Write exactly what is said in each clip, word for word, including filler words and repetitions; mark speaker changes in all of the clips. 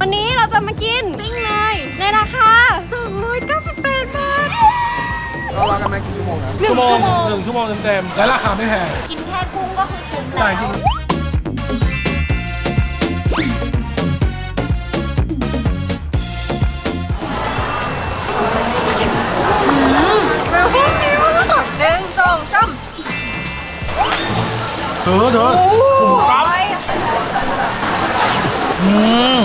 Speaker 1: วันนี้เราจะมากินปิ้งเนยในราคาสองร้อยเก้าสิบแปดบาท
Speaker 2: เรารอกันมากี่ชั่วโมงนะ
Speaker 3: หนึ่งชั่วโมงหนึ่งชั่วโมงเต็มๆและราคาไม่แพง
Speaker 1: กินแค่กุ้งก็คือคุ้มแล้ว
Speaker 3: ใช่จริง
Speaker 1: หนึ่งสองสาม
Speaker 3: เถอะเถอะผมปั๊บอืม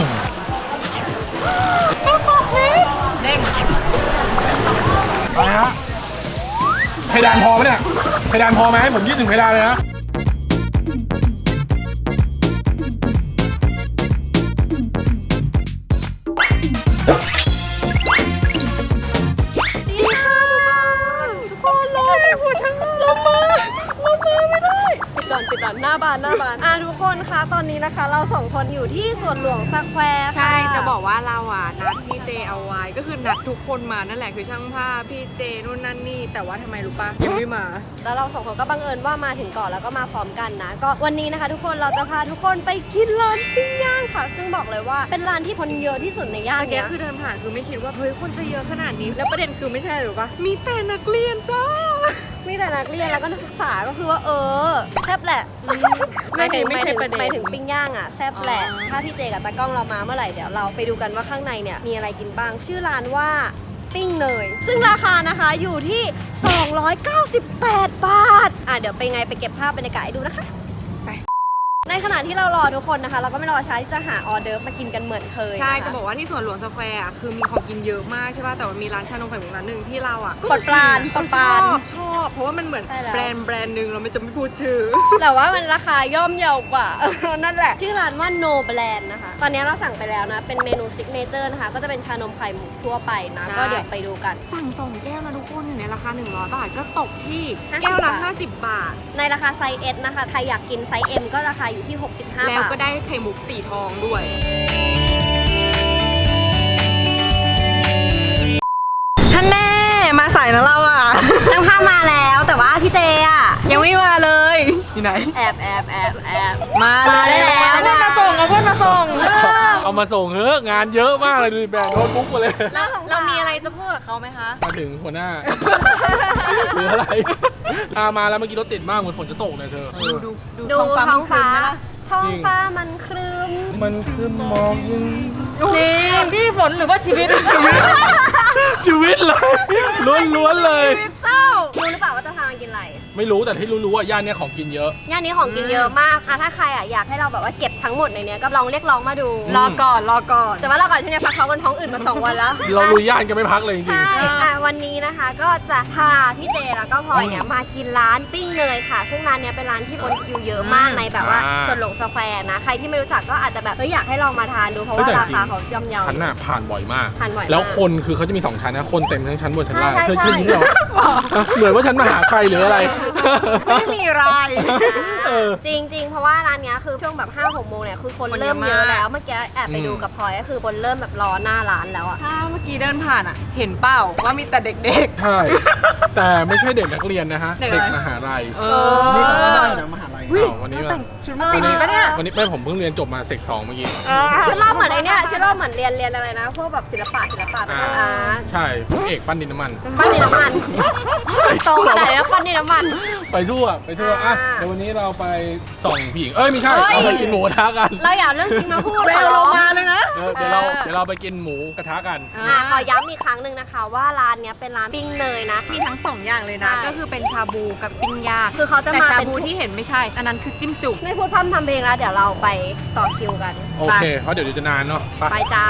Speaker 1: เด้ง
Speaker 3: ไปฮะเพดานพอไหมเนี่ยเพดานพอไหมให้ผมยืดถึงเพดานเลยนะ
Speaker 1: ทุกคนรอเลยหัวทั้งลมมาลมมาไม่ได้ปิดก่อนปิดก่อนหน้าบานหน้าบานอ่ะทุกคนคะตอนนี้นะคะ เราสองคนอยู่ที่สวนหลวงสแควร์
Speaker 4: ใช่จะบอกว่าเราอ่ะนัดพี่เจเอาไว้ก็คือนัดทุกคนมานั่นแหละคือช่างภาพพี่เจนู่นนั่นนี่แต่ว่าทำไมรู้ปะยังไม่มา
Speaker 1: แล้วเราสองคนก็บังเอิญว่ามาถึงก่อนแล้วก็มาพร้อมกันนะก็วันนี้นะคะ ทุกคนเราจะพาทุกคนไปกินร้านปิ้งย่างค่ะ ซึ่งบอกเลยว่าเป็นร้านที่คนเยอะที่สุดในย่าน
Speaker 4: เมื่อกี้
Speaker 1: เนี้ย
Speaker 4: คือเดินผ่านคือไม่คิดว่าเฮ้ยคนจะเยอะขนาดนี้แล้วประเด็นคือไม่ใช่หรือปะมีแต่นักเรียนจ้า
Speaker 1: มีแต่นักเรียนแล้วก็นักศึกษาก็คือว่าเออแซ่บแหละ
Speaker 4: ไม่ใช่
Speaker 1: ห
Speaker 4: ไม่
Speaker 1: มาย
Speaker 4: ใช่
Speaker 1: ถึง
Speaker 4: ประเด็น
Speaker 1: หมายถึงปิ้งย่างอ่ะแซ่บแหละ
Speaker 4: อ๋อ
Speaker 1: ถ้าพี่เจกับตากล้องเรามาเมื่อไหร่เดี๋ยวเราไปดูกันว่าข้างในเนี่ยมีอะไรกินบ้างชื่อร้านว่าปิ้งเนยซึ่งราคานะคะอยู่ที่สองร้อยเก้าสิบแปดบาทอ่ะเดี๋ยวไปไงไปเก็บภาพบรรยากาศให้ดูนะคะในขณะที่เรารอทุกคนนะคะ เราก็ไม่รอช้าที่จะหาออเดิร์ฟมากินกันเหมือนเคย
Speaker 4: ใช่
Speaker 1: นค
Speaker 4: จะบอกว่าที่สวนหลวงสแควร์อะคือมีของกินเยอะมากใช่ป่ะแต่ว่ามีร้านชานมไข่มุกร้านหนึ่งที่เราอ่ะ
Speaker 1: ปลดปรานปลดปราน
Speaker 4: ชอบชอบเพราะว่ามันเหมือน
Speaker 1: ใช่แล้ว
Speaker 4: แบรนด์แบรนด์หนึ่งเราไม่จะไม่พูดชื่อ
Speaker 1: แต่ว่ามันราคาย่อมเยาวกว่า นั่นแหละชื่อร้านว่า No Brand นะคะ ตอนนี้เราสั่งไปแล้วนะ เป็นเมนูซิกเนเจอร์นะคะ ก็จะเป็นชานมไข่มุกทั่วไปนะ
Speaker 4: ใช่
Speaker 1: ก็เดี๋ยวไปดูกัน
Speaker 4: สั่งสองแก้วนะทุกคนอยู่ในราคาหนึ่งร้อยบาทก็ตกที่
Speaker 1: ห้าสิบ
Speaker 4: แก้วละ
Speaker 1: บาท
Speaker 4: ห้าสิบบาท
Speaker 1: ในราคาไซส์ S นะคะใครอยากกินไซส์ M ก็ราคาอยู่ที่ หกสิบห้า
Speaker 4: แล้ว
Speaker 1: บาท
Speaker 4: ก็ได้ไข่มุกสีทองด้วย ท่านแน่มาสายนะเราอ่ะ
Speaker 1: ช่างภาพมาแล้วแต่ว่าพี่เจอ่ะ
Speaker 4: ยังไม่มาเลยอยู่ไหน
Speaker 1: แอบแอบแอบแอบ
Speaker 4: มา
Speaker 1: มาได้แล้ว
Speaker 4: เพื่อนมาส่งเอาเพื่อนมาส่ง
Speaker 3: เอามาส่งเถอะงานเยอะมากเลยดูดิแบกโน้ตบุ๊กมาเลย
Speaker 4: แล้วเรามีอะไรจะพูดกับเขาไหมคะ
Speaker 3: มาถึงหัวหน้าหรืออะไรอามาแล้วเมื่อกี้รถติดมากเหมือนฝนจะตกเลยเธอเออ
Speaker 4: ดู
Speaker 1: ดูท้องฟ้า ท้อง
Speaker 3: จริง
Speaker 1: ฟ้ามันครึ้ม
Speaker 3: มันคือหมอกยิง
Speaker 1: นี่
Speaker 4: พี่ฝนหรือว่าชีวิตชีวิต
Speaker 3: ชีวิตเลยล้วนๆเลย
Speaker 1: เศร้ารู้หรือเปล่าว่าจะพามากินอะไร
Speaker 3: ไม่รู้แต่ที่รู้ๆว่าย่านเนี้ยของกินเยอะ
Speaker 1: ย่านนี้ของกินเยอะมากอ่ะถ้าใครอ่ะอยากให้เราแบบว่าเก็บทั้งหมดในเนี้ยก็ลองเรียกร้องมาดู
Speaker 3: อืม
Speaker 4: รอก่อนรอก่อน
Speaker 1: แต่ว่าเราก่อนที่จะพักเขากันท้องอื่นมาสองวันแล้ว
Speaker 3: เราลุยย่านกันไม่พักเลยจริง
Speaker 1: ใช่อ่ะวันนี้นะคะก็จะพาพี่เจแล้วก็พลอยเนี่ยมากินร้านปิ้งเนยค่ะ ซึ่งร้านเนี้ยเป็นร้านที่คนคิวเยอะมากในแบบว่าสวนหลวงสแควร์นะ ใครที่ไม่รู้จักก็อาจจะแบบเฮ้ยอยากให้ลองมาทานดูเพราะว่าราคาเขาย่อมเยา
Speaker 3: ๆฉันน่ะผ่านบ่อยมาก
Speaker 1: ผ่านบ่อยมาก
Speaker 3: แล้วคนคือเขาจะมีสองชั้นนะคนเต็มทั้งชั้นบนชั้นล่าง
Speaker 1: ใช่
Speaker 3: เธอ
Speaker 1: ใช่
Speaker 3: คืออย่างนี้เหรอเหมือนว่าฉันมาหาใครหรืออะไร
Speaker 4: ไม่มีไร
Speaker 3: เออ
Speaker 1: จริงจริงๆ เพราะว่าร้านเนี้ยคือช่วงแบบห้าหกโมงเนี่ยคือคน
Speaker 4: คนเยอะ
Speaker 1: เริ่มเยอะ
Speaker 4: มาก
Speaker 1: แล้วเมื่อกี้แอบไปดูกับพลอยก็คือคนเริ่มแบบรอหน้าร้านแล้วอ่ะ
Speaker 4: ถ้าเมื่อกี้เดินผ่านอ่ะ เห็นเปล่าว่ามีแต่เด็ก
Speaker 3: ใช่ แต่ไม่ใช่เด็กนักเรียนนะฮะ
Speaker 4: เด็กอะไร
Speaker 3: เด็กมหาลัย
Speaker 4: ๆ เอ
Speaker 2: นี่เขาก็ได้อยู่นะมหาลัย
Speaker 3: อ้าววันนี้
Speaker 4: แต่
Speaker 3: ว่าง
Speaker 4: ชุดมาตีดีปะเนี่ย
Speaker 3: วันนี้ไม่ผมเพิ่งเรียนจบมาเซกสองเมื่อกี้
Speaker 1: ชุดรอบเหมือนไอเนี้ยชุดรอบเหมือนเรียนเรียนอะไรนะพวกแบบศิลปะศิลปะแบบ
Speaker 3: อ่า
Speaker 1: อาร์ต
Speaker 3: ใช่ผมเอกปั้นดินน้ำมัน
Speaker 1: ปั้นดินน้ำมันโตขนาดไหนแล้วปั้นดินน้ำมัน
Speaker 3: ไปทั่วไปทั่ว
Speaker 1: อ่า
Speaker 3: อ่ะเดี๋ยววันนี้เราไปส่องผู้หญิงเอ้ยไม่ใช่
Speaker 1: เฮ้ย
Speaker 3: เราไปกินหมูกระทะกัน
Speaker 1: เราอย่าเอาเรื่องจริงมาพูด
Speaker 4: เว
Speaker 1: ขอ
Speaker 4: ล
Speaker 1: ร้อง
Speaker 4: มาเลยนะ
Speaker 3: เออเดี๋ยวเราเดี๋ยวเราไปกินหมูกระทะกัน
Speaker 1: อ่ะขอย้ำอีกครั้งหนึ่งนะคะว่าร้านเนี้ยเป็นร้านปิ้งเนยนะ
Speaker 4: มีทั้งสองอย่างเลยนะ
Speaker 1: ใช่
Speaker 4: ก็คือเป็นชาบูกับปิ้งย่าง
Speaker 1: คือเขาจะ
Speaker 4: แต่
Speaker 1: มา
Speaker 4: ชา
Speaker 1: เป็น
Speaker 4: บูที่เห็นไม่ใช่ อันนั้นคือจิ้มจุ่ม
Speaker 1: ไม่พูดพร่ำทำเพลงแล้วเดี๋ยวเราไปต่อคิวกัน
Speaker 3: โอเคเพราะเดี๋ยวจะนานเนาะไป
Speaker 1: ไปจ้า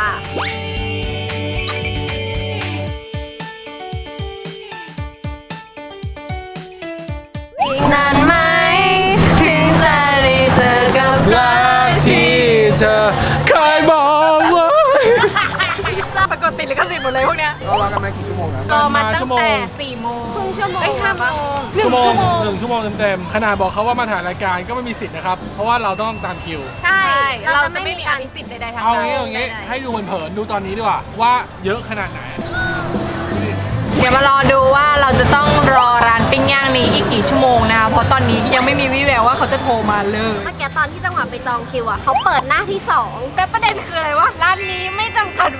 Speaker 1: อีกนานไหมถึงจะได้เจอกับ
Speaker 3: รักที่เธอเคยบอกไว้
Speaker 4: ปรากฏติดลิขสิทธิ์หมดเลยพวกเนี้ย
Speaker 2: เรารอกันมากี่ชั่วโมงนะ
Speaker 4: รอมาตั้งแต่สี่โมง
Speaker 1: ครึ่งชั่วโมง
Speaker 4: เอ้ยห้าโมง
Speaker 3: ชั่วโมงหนึ่งชั่วโมงเต็มๆขนาดบอกเขาว่ามาถ่ายรายการก็ไม่มีสิทธิ์นะครับ เพราะว่าเราต้องตามคิว
Speaker 1: ใช่
Speaker 4: ใช่
Speaker 1: เรา
Speaker 4: เรา
Speaker 1: จะ
Speaker 4: จะ
Speaker 1: ไม่
Speaker 4: ไม่
Speaker 1: มี
Speaker 4: มี
Speaker 1: กา
Speaker 4: อาร ภิสิทธิ์ใดๆทั้ง
Speaker 3: เอา
Speaker 4: นั้น
Speaker 3: งี้เอางี้
Speaker 1: ได้ๆ
Speaker 3: ให้ดูเผินๆดูตอนนี้ดีกว่าว่าเยอะขนาดไหน
Speaker 4: เดี๋ยวมารอดูว่าเราจะต้องรอร้านปิ้งย่างนี้อีกกี่ชั่วโมงนะคะเพราะตอนนี้ยังไม่มีวี่แววว่าเขาจะโทรมาเลย
Speaker 1: เมื่อกี้ตอนที่จังหวะไปจองคิวอ่ะเขาเปิดหน้าที่สอง
Speaker 4: แต่ประเด็นคืออะไรวะร้านนี้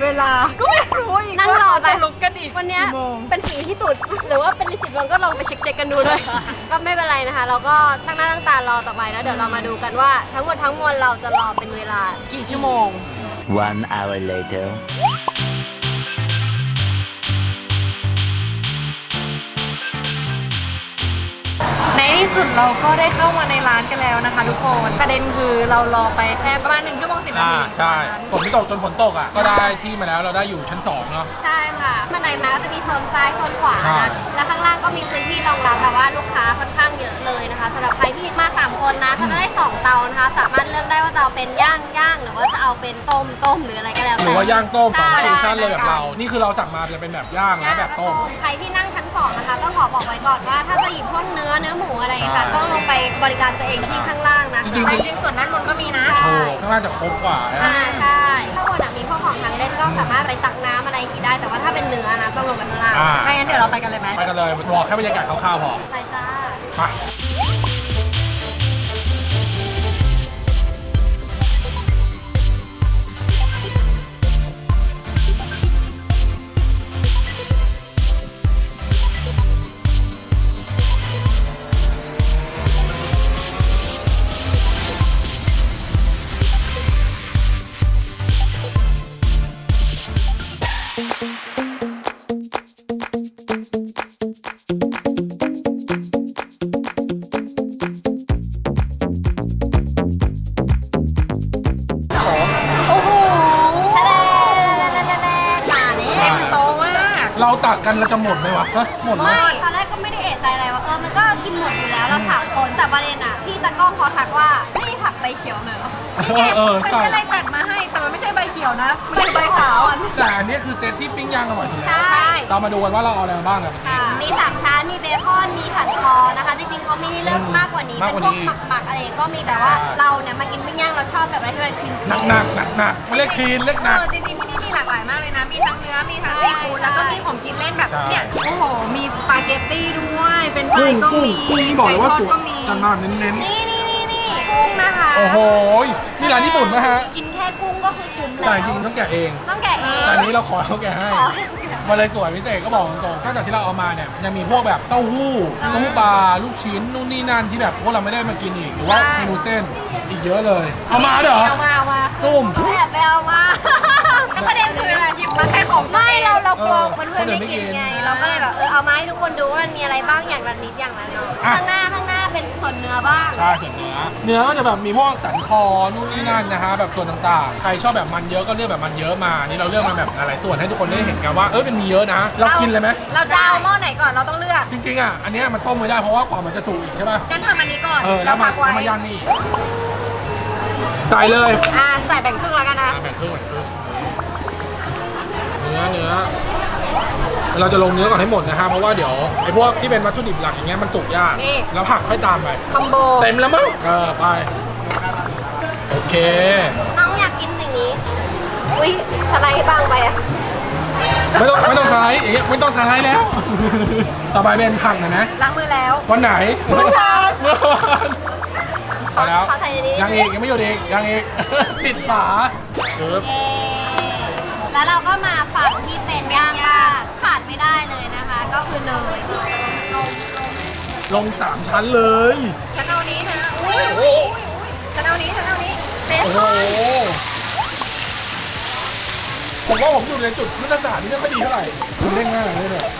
Speaker 4: เวลาก็ไม่รู้อีก
Speaker 1: นั่ง
Speaker 4: ว่าร
Speaker 1: อ
Speaker 4: เรา
Speaker 1: ไป
Speaker 4: จะลุกกันอีก
Speaker 1: วันเนี้ย
Speaker 4: กี่โมง
Speaker 1: เป็นฝีที่ตุดหรือว่าเป็นลิสิตลงก็ลองไปเช็คๆกันดูเลย ก็ไม่เป็นไรนะคะ เราก็ตั้งหน้าตั้งตารอต่อไปแล้วเดี๋ยวเรามาดูกันว่าทั้งหมดทั้งมวลเราจะรอเป็นเวลา
Speaker 4: กี่ชั่วโมง
Speaker 5: One hour later.
Speaker 4: ในที่สุดเราก็ได้เข้ามาในร้านกันแล้วนะคะ ทุกคนประเด็นคือเรารอไปแค่ประมาณหนึ่งชั่วโมงสิบนา
Speaker 3: อ่า
Speaker 4: ที
Speaker 3: ใช่ฝนไม่ตกจนฝนตกอ่ะ ก็ได้ที่มาแล้วเราได้อยู่ชั้นสองเนาะ
Speaker 1: ใช่ค่ะบันไดมาก็จะมีโซนซ้ายโซนขวา
Speaker 3: ใช่
Speaker 1: นะแล้วข้างล่างก็มีพื้นที่รองรับแบบว่าลูกค้าค่อนข้างเยอะเลยนะคะสำหรับใครที่มาสามคนนะก็จะได้สองเตานะคะสามารถเลือกได้ว่าจะเอาเป็นย่างย่างหรือว่าจะเอาเป็นต้มต้มหรืออะไรก็แล้ว
Speaker 3: ห
Speaker 1: แต่
Speaker 3: รือว่าย่างต้มสอง
Speaker 1: ใช่
Speaker 3: ฟิวชั่นเลยแบบเรา นี่คือเราสั่งมาจะเป็นแบบย่างและแบบต้ม
Speaker 1: ใครที่นั่งชั้นสองนะคะต้องขอบอกไว้ก่อนว่าถ้าจะหยิบพวกเนื้อเนื้อหมูอะไรอย่างเงี้ยค่ะ
Speaker 3: ใช่
Speaker 1: ต้องลงไปบริการตัวเองที่ข้างล่างนะ
Speaker 3: จริงๆ
Speaker 1: แต่จริงๆส่วนด้านบนก็มีนะ
Speaker 3: โอ้ข้างล่างจะครบกว่านะ
Speaker 1: อ่าใช่ข้างบนอะมีพวกของทางเล่นก็สามารถไปตักน้ำอะไรอย่างงี้ได้ แต่ว่าถ้าเป็นเนื้อนะต้องลงไปข้างล่าง
Speaker 3: อ่า
Speaker 4: ไม่งั้นเดี๋ยวเราไปกันเลยไหม
Speaker 3: ไปกันเลยบอกแค่บรรยากาศคร่าวๆพอ
Speaker 1: ไปจ้า
Speaker 3: ไป
Speaker 1: โอ้โหทะเลมาแล้ว
Speaker 4: เต็มโต๊ะมาก
Speaker 3: เราตักกันเราจะหมดไหมวะฮะหมดไหม
Speaker 1: ไม่ตอนแรกก็ไม่ได้เอะใจอะไรว่าเออมันก็กินหมดอยู่แล้วเราสามคนแต่ประเด็นอ่ะพี่ตะกล้องเขาทักว่าไม่ได้ผักใบเขียวเลยเหรอ
Speaker 3: เออเออ
Speaker 4: มัน
Speaker 3: ใช่
Speaker 4: ก็เลยจัดมาให้แต่มันไม่ใช่ใบเขียวนะมันเป็นใบขาวอ่ะ
Speaker 3: แต่อันนี้คือเซตที่ปิ้งย่างอร่อยที่แล้ว
Speaker 1: ใช่
Speaker 3: เรามาดูกันว่าเราเอาอะไรมาบ้างกัน
Speaker 1: ค่ะมีสามชั้นมีเบคอนมีสันคอนะคะจริงๆเขามีให้เลือกมากกว่านี้
Speaker 3: มาก
Speaker 1: เป็น
Speaker 3: กว่า
Speaker 1: พวก
Speaker 3: นี้
Speaker 1: หมักๆอะไรก็มีแต่ว่า
Speaker 3: ใช่
Speaker 1: เราเนี่ยมากินปิ้งย่างเราชอบแบบอะไรที่มันคลีน
Speaker 3: หนักหนักหนักหนักไม่เรียกคลีนเรียกหนัก
Speaker 4: เออจริงๆที่นี่มีหลากหลายมากเลยนะ มีทั้งเนื้อ มีทั้งซีฟู้ดแล้วก็มีของกินเล่นแบบ
Speaker 3: ใช่
Speaker 4: เนี่ย โอ้โห มีสปาเกตตี้ด้วย เป็นไฟก็มี
Speaker 3: กุ้งนี่บอกเลยว่า
Speaker 4: ไก่ท
Speaker 3: ส
Speaker 4: อด
Speaker 3: วย
Speaker 4: ก็มี
Speaker 3: จังมาเน้น
Speaker 1: นี่นี่นี่นี่กุ้งนะคะ
Speaker 3: ๆโอ้โหนี่ร้านญี่ปุ่นนะฮะ
Speaker 1: กินแค่กุ้งก็คือคุ้มแล้ว
Speaker 3: แต่จริงๆต้องแกะเอง
Speaker 1: ต้องแกะเอง
Speaker 3: แต่อันนี้เราขอเขาแกะให้
Speaker 1: ขอให้แกะ
Speaker 3: มาเลยสวยพิเศษก็บอกตรงๆตั้งแต่ที่เราเอามาเนี่ยยังมีพวกแบบเต้าหู้เต้าหู้ปลาลูกชิ้นนู่นนี่นั่นที่แบบพวกเราไม่ได้มากินอีกหรือว่าเมนูเส้นอีกเยอะเลย เอามาเหรอ
Speaker 4: เอามาเอามา
Speaker 3: ซุ่ม
Speaker 1: แอบไปเอามา
Speaker 4: แล้วประเด็นคืออะไรหยิบมาแค่ของ
Speaker 1: ไม่เราเรากลัว
Speaker 3: เออ
Speaker 1: เพื่อนๆไม่กิน
Speaker 3: คนอื่นไม่กิน
Speaker 1: ไง เราก็เลยแบบเออเอามาให้ทุกคนดูว่ามันมีอะไรบ้างอย่างละนิดอย่างละหน้อย
Speaker 3: อ่ะ
Speaker 1: ข้างหน้าข้างหน้าเป็นส่วนเนื้อบ้าง
Speaker 3: ใช่ส่วนเนื้อเนื้อก็จะแบบมีพวกสันคอนู่นนี่นั่นนะฮะแบบส่วนต่างๆ ใครชอบแบบมันเยอะก็เลือกแบบมันเยอะมานี่เราเลือกมาแบบหลายส่วนให้ทุกคนได้เห็นกันว่าเออเป็นมีเยอะนะ เรากินเลยไหม
Speaker 4: เราจะเอาหม้อไหนก่อน เราต้องเลือก
Speaker 3: จริงๆอ่ะอันเนี้ยมันต้มไม่ได้เพราะว่ากว่ามันจะสุกอีกใช่ป่ะ
Speaker 4: งั้นทำอันนี้ก่อน
Speaker 3: เออแล้วมา
Speaker 4: พักไว้
Speaker 3: แล้วมาย่างนี่ใส่เลย
Speaker 4: อ่าใส่แบ่งครึ่งแล้วกันนะ
Speaker 3: อ่ะแบ่งครึ่งแบ่งครึ่งเนื้อเนื้อเราจะลงเนื้อก่อนให้หมดนะฮะเพราะว่าเดี๋ยวไอ้พวกที่เป็นวัตถุดิบหลักอย่างเงี้ยมันสุกยาก
Speaker 4: นี่
Speaker 3: แล้วผักค่อยตามไป
Speaker 4: คอมโบ
Speaker 3: เต็มแล้วมั้งเออไปโอเค
Speaker 1: น้องอยากกินอย่างนี้ อุ้ยสไลด์บางไปอะ
Speaker 3: ไม่ต้องไม่ต้องสไลด์อย่างเงี้ยไม่ต้องสไลด์แล้ว ต่อไปเป็นผักหน่อยนะ
Speaker 4: ล้างมือแล้ว
Speaker 3: วันไหน
Speaker 4: เมื่อเช้า
Speaker 3: เมื่อวานพอแล้ว
Speaker 1: ขอใส่ในนี้
Speaker 3: ยังอีกยังไม่หยุดอีกยังอีก ปิดฝาจึ๊บ
Speaker 1: เย้แล้วเราก็มาฝั่งที่เป็นย่างล่างขาดไม่ได้เลยนะคะ ก็คือเนย
Speaker 3: ลงสามชั้นเลย
Speaker 4: ฉันเอานี้นะอุ้ย
Speaker 3: โอ้โห
Speaker 4: ฉันเอานี้ ฉันเอานี้
Speaker 1: เบ
Speaker 3: โอ้
Speaker 1: ค
Speaker 3: โห
Speaker 1: อน
Speaker 3: ผมว่าผมอยู่ในจุดพื้นฐานที่ไม่ค่อยดีเท่าไหร่คุณเล่นง่ายเลยเนี่ย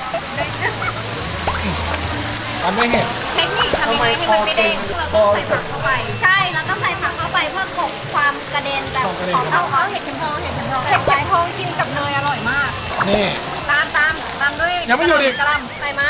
Speaker 3: อันไม่เห็น
Speaker 4: เทคนิคทำยังไงให้มันไม่เด้งคือเราต้องใส่ผักเข้าไป
Speaker 1: ใช่ แล้วก็ใส่ผักเข้าไปเพื่อกลบความกระเด็นแบบ
Speaker 3: ความกระเด็น
Speaker 1: ของ
Speaker 4: เอา
Speaker 1: เขา
Speaker 4: เอาเห็ดเข็มทองเห็ดเข็มทองเห็ดเข็มทองกินกับเนยอร่อยมาก
Speaker 3: นี่
Speaker 4: ตามตามตามด้วย
Speaker 3: ยังไม่หยุดอีก
Speaker 4: กระหล
Speaker 1: ใส่มา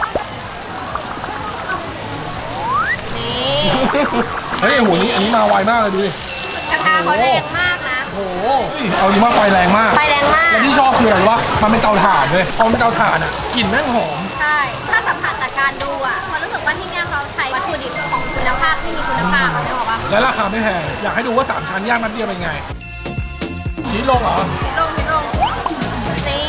Speaker 1: นี่
Speaker 3: เฮ้ยโอ้โหนี่อันนี้มาไวมากเลยดูดิ
Speaker 1: กระทะเขาแรงมากนะ
Speaker 3: โอ้โหเอาดีมากไฟแรงมาก
Speaker 1: ไฟแรงมาก
Speaker 3: แล้วที่ชอบคืออะไรรู้ปะมันเป็นเตาถ่านเลยพอมันเป็นเตาถ่านอ่ะกลิ่นแม่งหอม
Speaker 1: ใช่ ถ้าสัมผัสจากการดูอ่ะพอรู้สึกว่าที่เนี่ยเขาใช้วัตถุดิบของคุณภาพที่มีคุณภาพเขาเรียกว่า
Speaker 3: และราคาไม่แพงอยากให้ดูว่าสามชั้นย่างนัดเดียวเป็นไงชีสลงเหรอ
Speaker 1: พิลงพิลงนี่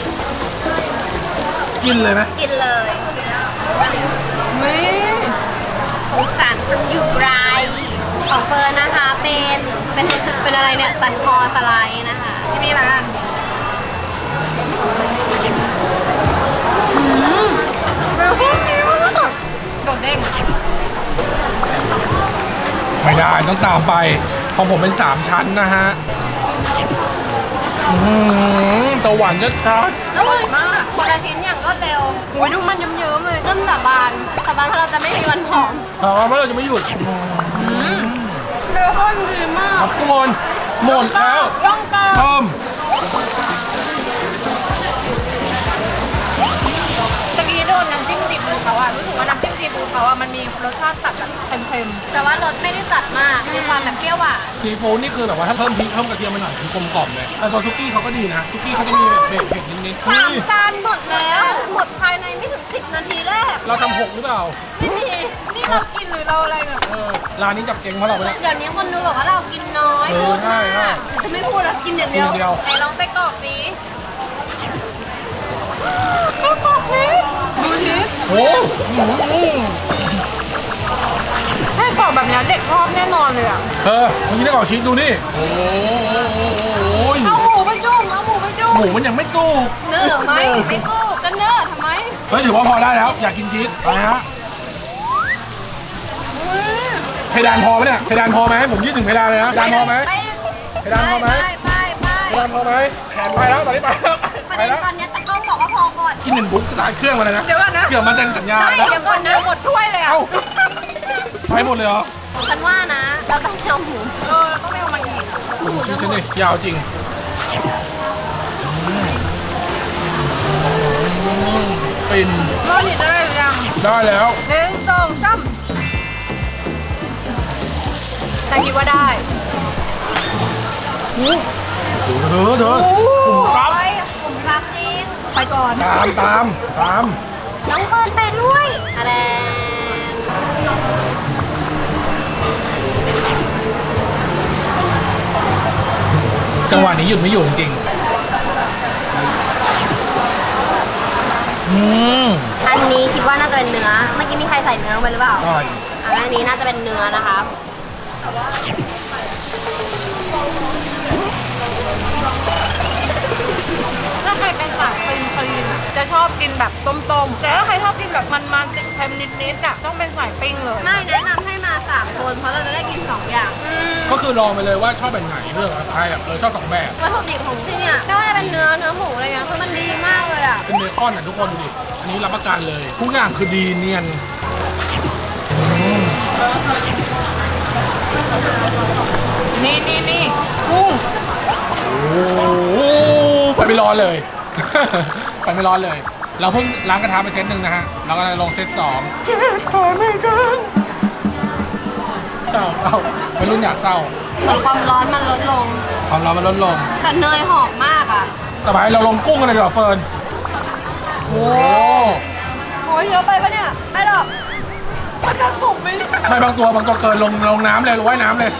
Speaker 3: กินเลยไหม
Speaker 1: กินเลย
Speaker 4: นี่
Speaker 1: สงสารคนอยู่ไรของเฟิร์นนะคะ เป็น เป็น เป็นอะไรเนี่ย สันคอสไลด์นะคะ
Speaker 4: ที่นี่ละกัน
Speaker 3: ไม่ได้ต้องตามไปของผมเป็นสามชั้นนะฮะอื้อหือสวรรค์ชัด
Speaker 1: อร่อยมากคนละชิ้นอย่างรวดเร็ว
Speaker 4: โอ้ยดูมันเยิ้มๆเลย
Speaker 1: เริ่มสาบานสาบานเพราะเราจะไม่มีวันผอม
Speaker 3: ๆถามว่าเราจะไม่หยุด
Speaker 1: เบคอนดีมาก
Speaker 3: ครับทุกคนหมดแล้ว
Speaker 4: ต้องกา
Speaker 3: เพิ่ม
Speaker 4: ตะกี้โดนน้ำจิ้มซีฟู้ดเขาอะรู้สึกว่าน้ำจิ้มซีฟู้ดเขาอะมันมีรสชาติตัดแบบเค็ม
Speaker 1: แต่ว่ารสไม่ได้จัดมาก มีความแบบเปรี้ยวหวาน
Speaker 3: ซีฟู้ดนี่คือแบบว่าถ้าเพิ่มพริกเพิ่มกระเทียมมาหน่อยคือกลมกล่อมเลยแต่ตัวซุกี้เขาก็ดีนะซุกี้เขาจะมีแบบเผ็ดเผ็ดนิดๆ
Speaker 1: สาม
Speaker 3: นี่
Speaker 1: จานหมดแล้ว หมดภายในไม่ถึงสิบนาทีแรก
Speaker 3: เราทำหกหรือเปล่า
Speaker 1: ไม่มี
Speaker 4: ๆนี่เรากินหรือเราอะไรแบบ
Speaker 3: เออร้านนี้จับเก่งเพราะเราไปแล้ว
Speaker 1: เดี๋ยวนี้คนดูบอกว่าเรากินน้อย
Speaker 3: เออ
Speaker 1: พูด
Speaker 3: ใช่
Speaker 1: มาก
Speaker 3: ใช่
Speaker 1: จะไม่พูดแล้วกินอย่างเดียว
Speaker 3: กินอย่างเดียว
Speaker 1: ไหนลองไส้กรอกสิ
Speaker 4: ดูสิ
Speaker 3: โอ้โห
Speaker 4: ไส้กรอกแบบนี้เด็กชอบแน่นอนเลยอะ
Speaker 3: เออเมื่อกี้ได้กรอกชีสดูนี่โอ้โห
Speaker 1: เอาหมูไปจุ่มเอาหมูไปจุ่ม
Speaker 3: หมูมันยังไม่ตู้
Speaker 1: เนื้อไหมไม่กู้กันเนื้อทำไม
Speaker 3: เฮ้ยถือว่าพอได้แล้วอยากกินชีสไปฮะเพดานพอไหมเนี่ยเพดานพอไหมผมยืดถึงเพดานเลยนะเพดานพอไหม
Speaker 1: ไป
Speaker 3: เพดานพอไหม
Speaker 1: ไปไปไป
Speaker 3: เพดานพอไหมแขนไปแล้วตอนนี้ไปแล้ว
Speaker 1: ประ
Speaker 3: ไป
Speaker 1: เด็น
Speaker 3: แล้ว
Speaker 1: ตอนนี้ตะกล้องบอกว่าพอก่อน
Speaker 3: กินหนึ่งบุ๊กสตาร์ทเครื่องมาเลยนะ
Speaker 4: เดี๋ยวก่อนนะ
Speaker 3: เกือบมาเซ็นสัญญา
Speaker 1: ใช่
Speaker 3: แล้ว
Speaker 1: เดี๋ยวก่อนนะ
Speaker 4: หมดถ้วยเลยอะ
Speaker 3: เอ้าไปหมดเลยเหรอ
Speaker 1: ฉันว่านะ เราต้องเอาหมู
Speaker 4: เออแล้วก็ไม่เอามาอีกอะ
Speaker 3: โอ้โหชิ้นนี้ยาวจริงปิน
Speaker 4: รอดนี่ได้หรือยัง
Speaker 3: ได้แล้ว
Speaker 4: หนึ่งสองสามแต่คิดว่าได้
Speaker 3: เธอเธอกลุ่มครับ
Speaker 1: โอ้ยผมครับจริง
Speaker 4: ไปก่อน
Speaker 3: ตามตามตาม
Speaker 1: น้องเฟิร์นไปด้วยอะไร
Speaker 3: จังหวะนี้หยุดไม่อยู่จริงอืม
Speaker 1: อันนี้คิดว่าน่าจะเป็นเนื้อ เมื่อกี้มีใครใส่เนื้อลงไปหรือเปล่า
Speaker 3: อร่อย
Speaker 1: อันนี้น่าจะเป็นเนื้อนะคะ
Speaker 4: ถ้าใครเป็นสายคลีนคลีนอะจะชอบกินแบบต้มๆ แต่ถ้าใครชอบกินแบบมันๆเค็มนิดๆอะต้องเป็นสายปิ้งเลย
Speaker 1: ไม่แนะนำให้มาสามคนเพราะเราจะได้กินสองอย่าง
Speaker 3: ก็คือลองไปเลยว่าชอบแบบไหนเรื่องอะไรแบบเออชอบสองแบบ
Speaker 1: วัตถุดิบของที่เนี่ยไม่ว่าจะเป็นเนื้อเนื้อหมูอะไรเงี้ยคือมันดีมากเลยอ่ะ
Speaker 3: เป็นเบคอนอ่ะทุกคนดูดิอันนี้รับประกันเลยทุกอย่างคือดีเนียนอืม
Speaker 4: นี่นี่นี่กุ้ง
Speaker 3: โอ้โหไฟไม่ร้อนเลย ไฟไม่ร้อนเลย เราเพิ่งล้างกระทะไปเซตหนึ่งนะฮะเราก็เลยลงเซตสองขอไม่กันเศร้าเอ้าไม่รุ่นอยากเศร้า
Speaker 1: ความร้อนมันลดลง
Speaker 3: ความร้อนมันลดลง
Speaker 1: แต่เนยหอมมากอ่ะ
Speaker 3: สบายเราลงกุ้งกันเลยดีกว่าเฟิร์นโอ้
Speaker 1: โอ้ยเยอะไปปะเนี่ย ไม่หรอก
Speaker 4: มันจะสุกไหม
Speaker 3: ไม่บางตัวบางตัวเกินลงลงน้ำเลยลงว่ายน้ำเลย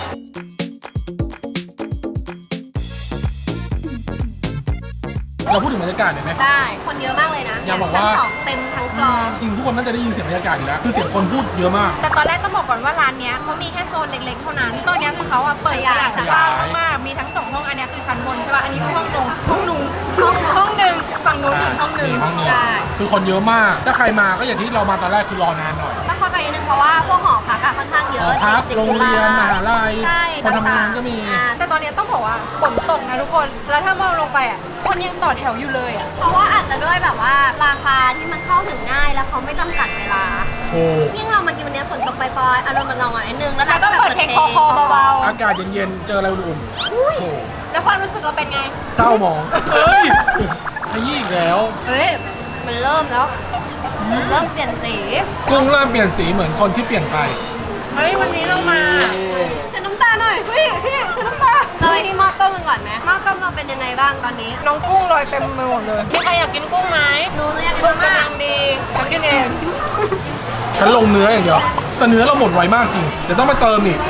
Speaker 3: เราพูดถึงบรรยากาศหน่อยไหม
Speaker 1: ได้ คนเยอะมากเลยนะ
Speaker 3: อย่าบอกว่า
Speaker 1: ชั้นสองเต็มทั้งฟลอร์
Speaker 3: จริงทุกคนน่าจะได้ยินเสียงบรรยากาศอยู่แล้วคือเสียงคนพูดเยอะมาก
Speaker 4: แต่ตอนแรกต้องบอกก่อนว่าร้านเนี้ยเขามีแค่โซนเล็กๆเท่านั้นตอนเนี้ยคือเขาอะเปิดขยายสภาพมากๆมีทั้งสองห้องอันเนี้ยคือชั้นบนใช่ป่ะอันนี้คือห้องลงห้องนุงห้องห้องหนึ่งฝั่งนู้นอีกห้องหนึ่ง
Speaker 3: มีห้องหนึ่ง
Speaker 4: ใช่
Speaker 3: คือคนเยอะมาก ถ้าใครมาก็อย่างที่เรามาตอนแรกคือรอนานหน่อย
Speaker 1: ต้องเข้าใจนิดนึงเพราะว่าพวกหอพักอะค่อนข้างเย
Speaker 3: ห
Speaker 1: อะ
Speaker 3: อพัก
Speaker 1: ติด
Speaker 3: โรง
Speaker 1: จุฬ
Speaker 3: เรียนมหาลัย
Speaker 1: ใช่
Speaker 3: คนทำงานก็มี
Speaker 1: อ่า
Speaker 4: แต่ตอนเนี้ยต้องบอกว่าฝนตกนะทุกคนแล้วถ้ามองลงไปอะคนยังต่อแถวอยู่เลยอะ
Speaker 1: เพราะว่าอาจจะด้วยแบบว่าราคาที่มันเข้าถึงง่ายแล้วเขาไม่จำกัดเวลา
Speaker 3: ถูก
Speaker 1: ยิ่งเรามากินวันนี้ฝนตกปล่อยๆอารมณ์มันเงาๆนิดนึงแล้ว
Speaker 4: แล้ว
Speaker 1: เรา
Speaker 4: ก็
Speaker 1: ก็แบบ
Speaker 4: เปิดเพลงคอคอเบา
Speaker 3: อากาศเย็นๆ เจออะไรอุ่นๆโอ้โห
Speaker 4: ๆแล้วความรู้สึกเราเป็นไง
Speaker 3: เศร้าหมอง เฮ้ยขยี้อีกแล้ว
Speaker 1: เฮ้ยมันเริ่มแล้วมันเริ่มเปลี่ยนสี
Speaker 3: กุ้งเริ่มเปลี่ยนสีเหมือนคนที่เปลี่ยนไป
Speaker 4: เฮ้ยวันนี้เรามา
Speaker 1: ฉันน้ำตาหน่อยพี่พี่ฉันน้ำตาเราไปที่หม้อต้มกันก่อนไหมหม้อต้มเราเป็นยังไงบ้างตอนนี้
Speaker 4: น้องกุ้งลอยเต็มไปหมดเลยมีใครอยากกินกุ้งไหม
Speaker 1: หนูหนูอยากกิน
Speaker 4: กุ้ง
Speaker 1: มาก
Speaker 4: กำลังดีฉันกินเอง
Speaker 3: ฉันลงเนื้ออย่างเดียว แต่เนื้อเราหมดไวมากจริง เดี๋ยวต้องไปเติมอีก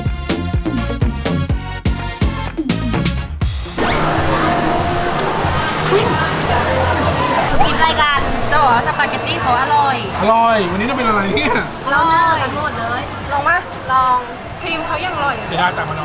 Speaker 1: คือคลิปรายการ
Speaker 4: จะบอกว่าสปาเกตตี้เขาอร่อย
Speaker 3: อร่อย วันนี้จะเป็นอะไรเนี่ย
Speaker 1: เราเนื้อกันหมดเลย
Speaker 4: ลองมา
Speaker 1: ลอง
Speaker 4: ครีมเขายังอร่อย
Speaker 3: เสียดายแต่มาน้อย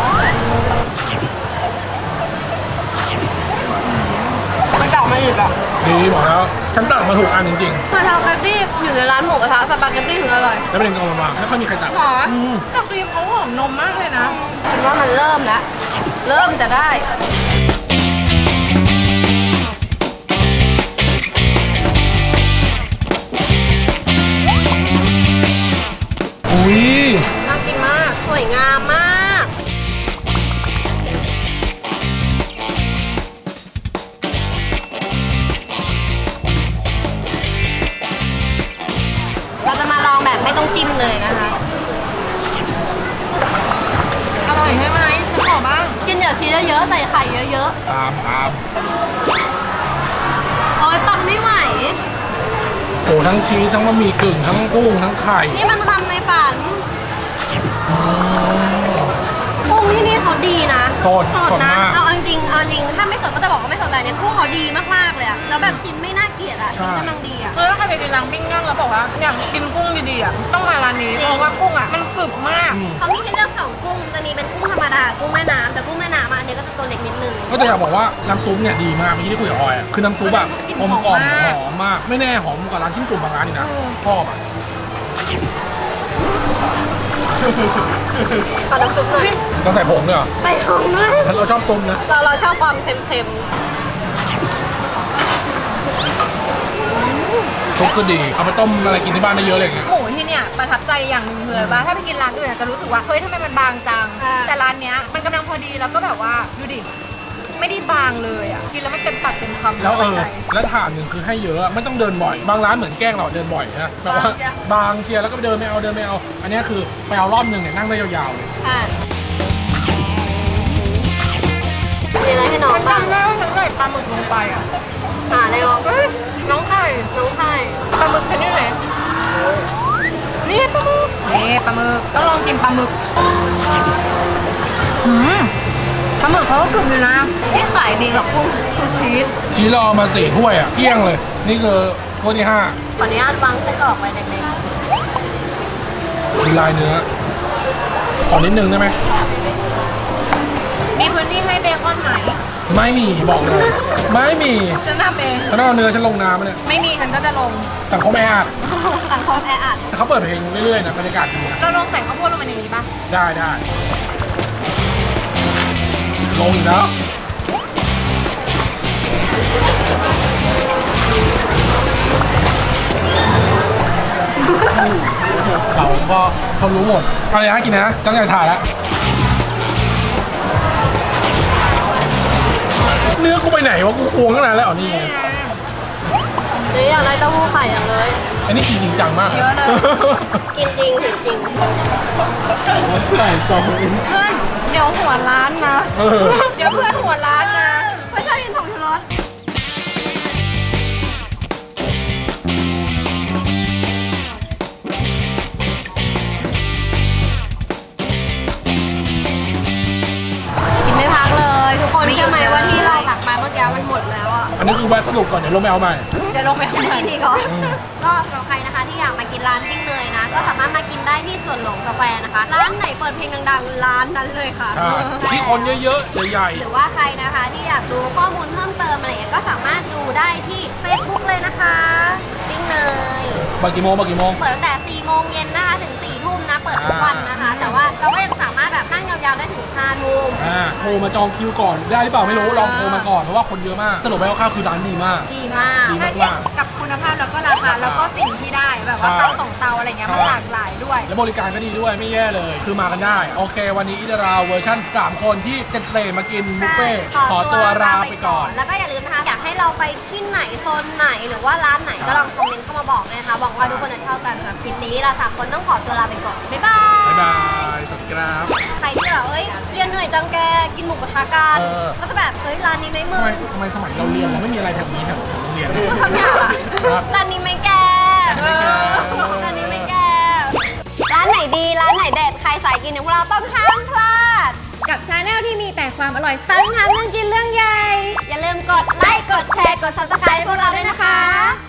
Speaker 4: มันกลับมาอีกอ่ะ
Speaker 3: อดีบอกแล้วฉันตัดมาถูกอันจริง
Speaker 1: มาทำสปาเกตตี้อยู่ในร้านหมูกระทะสปาเกตตี้ถึงอร่อย
Speaker 3: ๆแล้วประเด็นก็เอามาไม่ค่อยมีใครตัด
Speaker 4: หรอ
Speaker 3: อืม
Speaker 4: แต่ครีมเขาหอมนมมากเลยนะ
Speaker 1: ฉันว่ามันเริ่มแล้วเริ่มจะได้
Speaker 3: อุ้ย
Speaker 1: น่ากินมากสวยงามมากเราจะมาลองแบบไม่ต้องจิ้มเลยนะคะ
Speaker 4: อร่อยใช่ไหมฉันขอบ้าง
Speaker 1: กินเดี๋ยวชีสเยอะๆใส่ไข่เยอะ
Speaker 3: ตามตาม
Speaker 1: ๆโอ้ยปังไม่ไหว
Speaker 3: โอ้ทั้งชีสทั้งบะหมี่กึ่งทั้งกุ้งทั้งไข่
Speaker 1: นี่มันทำในฝันกุ้งที่นี่เขาดีนะ
Speaker 3: สด
Speaker 1: สด
Speaker 3: สด
Speaker 1: นะ
Speaker 3: มาก
Speaker 1: เอาจริงเอาจริงถ้าไม่สดก็จะบอกว่าไม่สดแต่เนี่ยกุ้งเขาดีมากๆเลยอะแล้วแบบชิ้นไม่น่าเกลียดอะ
Speaker 3: ใช่
Speaker 1: ชิ้นกำลังดีอะ
Speaker 4: คือถ้าใครไปกินร้านปิ้งย่างแล้วบอกว่าอยากกินกุ้งดีๆอ่ะต้องมาร้านนี้
Speaker 1: จริง
Speaker 4: เพราะว่ากุ้งอ่ะมันกรึบมาก
Speaker 3: อืม
Speaker 1: เขามีให้เลือกสองกุ้งจะมีเป็นกุ้งธรรมดากุ้งแม่น้ำแต่กุ้งแม่น้ำอะอันนี้ก็จะตัวเล็กนิดนึง
Speaker 3: ก็จะอยากบอกว่าน้ำซุปเนี่ยดีมากเมื่อกี้ที่คุยกับออยอ่ะคือน้ำซุปแบบกลมกล่อมหอมมากไม่แน่หอมกว่าร้านชิ้นจุ่มบางร้านนี่นะชอบอ่ะ
Speaker 1: ขอน้ำซุปหน่อย
Speaker 3: เราใส่ผงด้วยเหรอ
Speaker 1: ใส่หอมด้วย
Speaker 3: เราชอบซุปนะ
Speaker 1: เราเราชอบความเค็ม
Speaker 3: ซุปก็ดีเอาไปต้มอะไรกินที่บ้านได้เยอะเลยไง
Speaker 4: หมูที่เนี่ยประทับใจอย่างหนึ่งคืออะไรบ้างถ้าไปกินร้านอื่นอะจะรู้สึกว่าเฮ้ยทำไมมันบางจัง แต่ร้านเนี้ยมันกำลังพอดีแล้วก็แบบว่าดูดิไม่ได้บางเลยอ่ะกินแล้วมันเต็มปากเต็มคำ
Speaker 3: แล้วเออ
Speaker 4: ใจ
Speaker 3: แล้วถาดหนึ่งคือให้เยอะไม่ต้องเดินบ่อย บางร้านเหมือนแกล้งเราเดินบ่อยนะแบบว่าบางเชียร์แล้วก็เดินไม่เอาเดินไม่เอา อันนี้คือไปเอารอบหนึ่งเนี่ยนั่งได้ยาวๆเลย
Speaker 1: ๆค่ะมีอะไรให้น้อง
Speaker 4: ฉัน
Speaker 1: บ้าง
Speaker 4: จำได้ว่าฉันใส่ปลาหมึกลงไปอ่ะ
Speaker 1: หาอะไรน้อง
Speaker 4: เฮ้ยน้องไข่
Speaker 1: น้องไข่
Speaker 4: ปลาหมึกฉันอยู่ไหนนี่ปลาหมึกนี่ปลาหมึกต้องลองชิมปลาหมึกอืมปลาหมึกเขาก็กรึบอยู่นะ
Speaker 1: ที่ขายดีกับกุ้งคือชีส
Speaker 3: ชีสเราเอามาสี่ถ้วยอ่ะเกลี้ยงเลย นี่คือถ้วยที่ห้า
Speaker 1: ขออนุญาตวางไส้กรอกไว้เล็ก
Speaker 3: เป็นลายเนื้อ ขอนิดนึงได้ไหม
Speaker 4: มีพื้นที่ให้เบคอนไหม
Speaker 3: ไม่มีบอกเลย ไม่มี
Speaker 4: ฉันทำเอง
Speaker 3: ฉันเอาเนื้อฉันลงน้ำมาเนี่ย
Speaker 4: ไม่มีฉันก็จะลง
Speaker 3: สังคมแออัด
Speaker 1: ๆสังคมแออัด
Speaker 3: แต่เขาเปิดเพลงเรื่อยๆนะบรรยากาศดีนะ
Speaker 4: เราลงใส่ข้าวโพดลงไปในนี้ป่ะ
Speaker 3: ได้ได้ลงอีกแล้ว เราก็เขารู้หมดอะไรนะกินนะตั้งใจถ่ายแล้ว เนื้อกูไปไหนวะกูควงตั้งนานแล้วอ๋อนี่ไง
Speaker 1: นี่อยากได้เต้าหู้ไข่อย่างเลย
Speaker 3: อันนี้กินจริงจังมาก
Speaker 4: เยอะเลย
Speaker 1: กินจริงถึงจริง
Speaker 2: ใส่ซอง
Speaker 4: เพื่อนเดี๋ยวหัวร้านนะ
Speaker 3: เออ
Speaker 4: เดี๋ยวเพื่อนหัวร้านนะ
Speaker 1: ไม่ชอบกินผงชูรสกินไม่พักเลยทุกคนเชื่อไหมว่าที่เราตักมาเมื่อกี้มันหมดแล้วอ่ะ
Speaker 3: อันนี้คือแวะสรุปก่อนเดี๋ยวลงไปเอาใหม่
Speaker 4: เดี๋ยวลงไปข้างใน
Speaker 1: กินดีก่อนก็สำหรับใครนะคะที่อยากมากินร้านปิ้งเนยนะ ก็สามารถมากินได้ที่สวนหลวงสแควร์นะคะ ร้านไหนเปิดเพลงดังๆ ร้านนั้นเลยค่ะ
Speaker 3: ใช่ที่คนเยอะๆ ใหญ่
Speaker 1: หรือว่าใครนะคะที่อยากดูข้อมูลเพิ่มเติมอะไรอย่างเงี้ยก็สามารถดูได้ที่ Facebook เลยนะคะปิ้งเนย
Speaker 3: ๆบางกี่โมงบางกี่โมง
Speaker 1: เปิดตั้งแต่สี่โมงเย็นนะคะถึงสี่ทุ่มนะ เปิดทุกวันนะคะ แต่ว่าเราก็ยังสามารถแบบนั่งยาวๆได้ถึงห้าทุ่ม
Speaker 3: อ่าโทรมาจองคิวก่อนได้หรือเปล่าไม่รู้ลองโทรมาก่อนเพราะว่าคนเยอะมากสรุปไปคร่าวๆคือร้านดีมาก
Speaker 1: ดีมาก
Speaker 3: ดี
Speaker 4: ถ้าเทียบกับคุณภาพแล้วก็ราคาแล้วก็สิ่งที่ได้แบบว่า
Speaker 3: ใช่
Speaker 4: เตาสองเตาอะไรเงี้ยมัน
Speaker 3: ใช่
Speaker 4: หลากหลายด้วย
Speaker 3: และบริการก็ดีด้วยไม่แย่เลย คือมากันได้ โอเค วันนี้อิตาราเวอร์ชั่นสามคนที่เจเตรมากินบุฟเฟ่ต์ขอตัวลาไปก่อน
Speaker 1: แล้วก็อย่าลืมนะคะ อยากให้เราไปที่ไหนโซนไหนหรือว่าร้านไหนก็ลองคอมเมนต์เข้ามาบอกเลยนะคะหวังว่าทุกคนจะชอบกันสำหรับคลิปนี้เราสามคนต้องขอตัวลาไปก่อน บ๊ายบาย
Speaker 3: บ๊ายบายสวัสดีครับ
Speaker 1: ใครที่แบบเอ้ยเรียนเหนื่อยจังแกกินหมูกระทะกัน
Speaker 3: เออ
Speaker 1: ก็จะแบบเฮ้ยร้านนี้ไหมมึ
Speaker 3: ทำ
Speaker 1: ง
Speaker 3: ไมทำไมสมัยเราเรียนเราไม่มีอะไรแถวนี้แถวโรงเรียน
Speaker 1: ทำอย่างอะ
Speaker 3: ครับ
Speaker 1: ร้านนี้ไหมแก
Speaker 3: ร้านนี้ไหมแก
Speaker 1: ร้านนี้ไหมแก ร้านไหนดี ร้านไหนเด็ด ใครสายกินอย่างพวกเราต้องห้ามพลาด
Speaker 4: กับชาแนลที่มีแต่ความอร่อย
Speaker 1: ทั้งทำเรื่องกินเรื่องใหญ่ อย่าลืมกดไลค์ กดแชร์ กด ซับสไครบ์ ให้พวกเราด้วยนะคะ